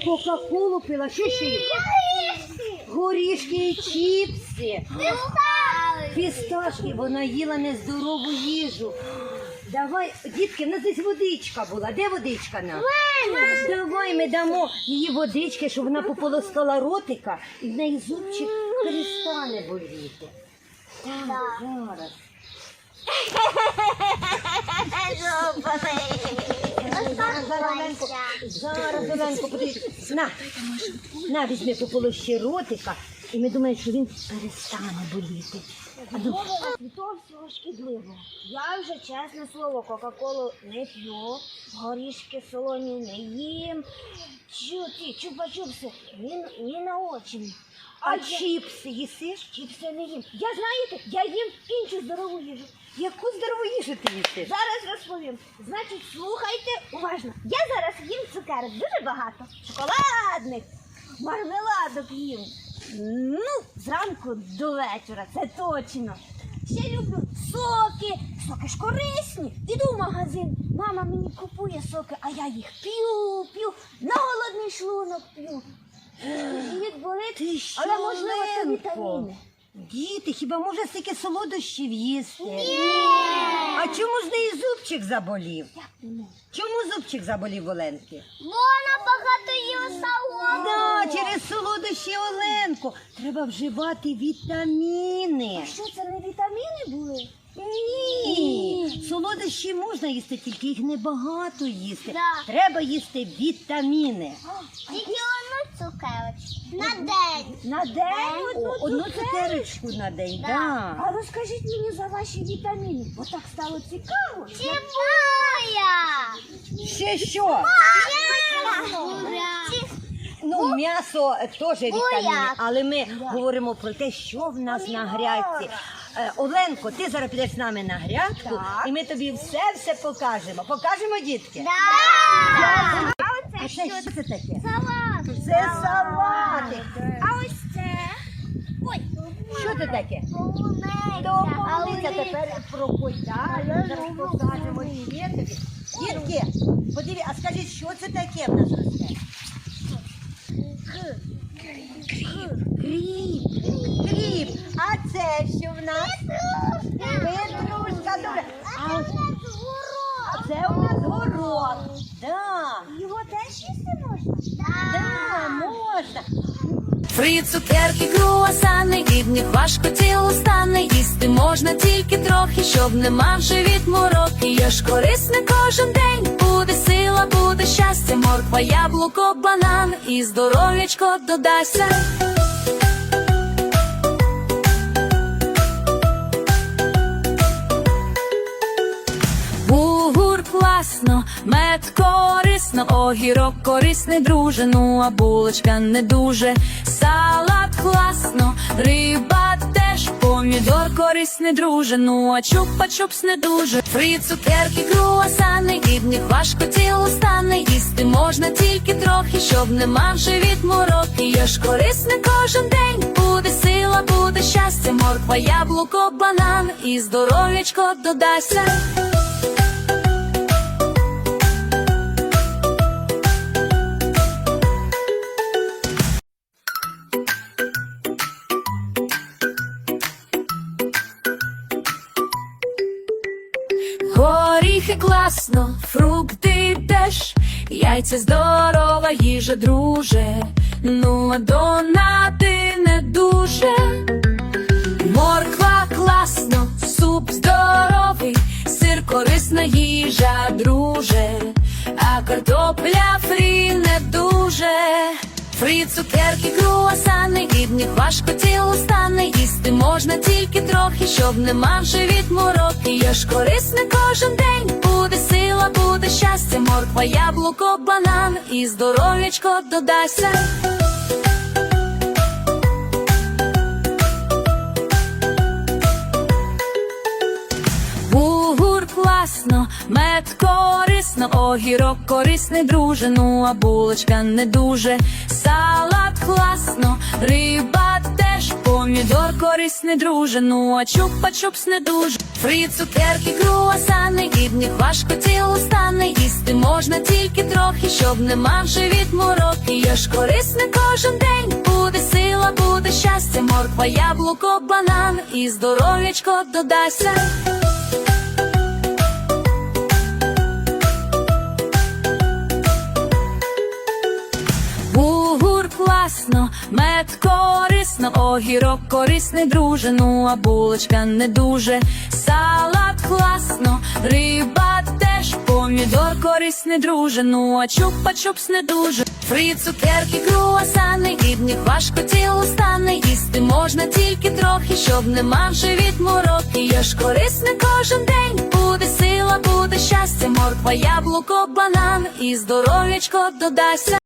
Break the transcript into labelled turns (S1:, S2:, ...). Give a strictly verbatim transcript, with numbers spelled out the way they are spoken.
S1: Кока-колу пила, що ще є? Горішки і чіпси. Фісташки, вона їла нездорову їжу. Давай, дітки, в нас десь водичка була. Де водичка нам? Давай ми дамо їй водички, щоб вона пополоскала ротика і в неї зубчик перестане боліти. Так, зараз. Зараз, Оленко, зараз, Оленко, подивись. На, на, візьми пополощи ротика, і ми думаємо, що він перестане боліти. А
S2: Від того всього шкідливо. Я вже, чесне слово, кока-колу не п'ю, горішки солоні не їм. Чу, ті, чупа-чупси, ні, ні на очі.
S1: А чіпси їсиш?
S2: Чіпси не їм. Я, знаєте, я їм іншу здорову їжу.
S1: Яку здорову їжу ти їсиш?
S2: Зараз розповім. Значить, слухайте уважно. Я зараз їм цукерок дуже багато. Шоколадних, мармеладок їм. Ну, зранку до вечора, це точно. Ще люблю соки. Соки ж корисні. Іду в магазин, мама мені купує соки, а я їх п'ю, п'ю, на голодний шлунок п'ю. Живіт болить,
S1: Ти що,
S2: але можливо це
S1: Оленко?
S2: вітаміни.
S1: Діти, хіба може стільки солодощів їсти? Ні! А чому ж неї зубчик заболів?
S2: Як не можу?
S1: Чому зубчик заболів Оленки?
S2: Вона багато їла салату.
S1: Да, через солодощі, Оленко. Треба вживати вітаміни.
S2: А що це, не вітаміни були?
S1: Ні, солодощі можна їсти, тільки їх небагато їсти.
S2: Да.
S1: Треба їсти вітаміни.
S2: Тільки одну цукерочку. На день. На день одну,
S1: О, одну
S2: цукерочку?
S1: цукерочку на день,
S2: Да.
S1: да.
S2: А розкажіть мені за ваші вітаміни, бо так стало цікаво. Цибуля!
S1: Ще що? Ну, м'ясо е, теж вітаміни, але ми говоримо про те, що в нас на грядці. Е, Оленко, ти зараз підеш з нами на грядку,
S2: Так.
S1: і ми тобі все-все покажемо. Покажемо, дітки?
S2: Да.
S1: А це що це таке?
S2: Салат.
S1: Це салатик.
S2: А ось це. Ой.
S1: Що це таке?
S2: Полуниця.
S1: Домовилися, тепер проходь далі, зараз покажемо ще тобі. Дітки, подиві, а скажіть, що це таке в нас росте? Кріп. Кріп. А це що в нас? Петрушка. Добре. А це у нас горох. Да.
S2: Його теж їсти можна?
S1: Да, можна.
S3: Фри, цукерки, круасани, від них важко тіло стане. Їсти можна тільки трохи, щоб не мав живіт мороки. Я ж корисне кожен день, буде сила, буде щастя. Морква, яблуко, банан і здоров'ячко додайся. Бугур класно, мед корисно, огірок корисний, друже, ну а булочка не дуже. Салат класно, риба теж, помідор корисний, друже, ну а чупа-чупс не дуже. Фри, цукерки, круасани, від них важко тіло стане. Їсти можна тільки трохи, щоб не мав живіт мороки. Я ж корисне кожен день, буде сила, буде щастя. Морква, яблуко, банан і здоров'ячко додайся. Горіхи класно, фрукти теж, яйця здорова їжа, друже, ну а донати не дуже. Морква класно, суп здоровий, сир корисна їжа, друже, а картопля фрі не дуже. Фрі, цукерки, круасани, від них важко тіло стане. Їсти можна тільки трохи, щоб не мав живіт мороки. Я ж корисне кожен день, буде сила, буде щастя. Морква, яблуко, банан і здоров'ячко додайся. Бугур класно, мед корисно, огірок корисний, друже, ну а булочка не дуже. Салат класно, риба теж, помідор корисний, друже, ну а чупа-чупс не дуже. Фрі, цукерки, круасани, від них важко тіло стане. Їсти можна тільки трохи, щоб не мав живіт мороки. Я ж корисний кожен день, буде сила, буде щастя. Морква, яблуко, банан і здоров'ячко додасться. Бугур класно, мед корисно, огірок корисний, друже, ну а булочка не дуже. Салат класно, риба теж, помідор корисний, друже, ну а чупа-чупс не дуже. Фрі, цукерки, круасани, від них важко тіло стане. Їсти можна тільки трохи, щоб не мав живіт мороки. Я ж корисний кожен день, буде сила, буде щастя. Морква, яблуко, банан і здоров'ячко додасться.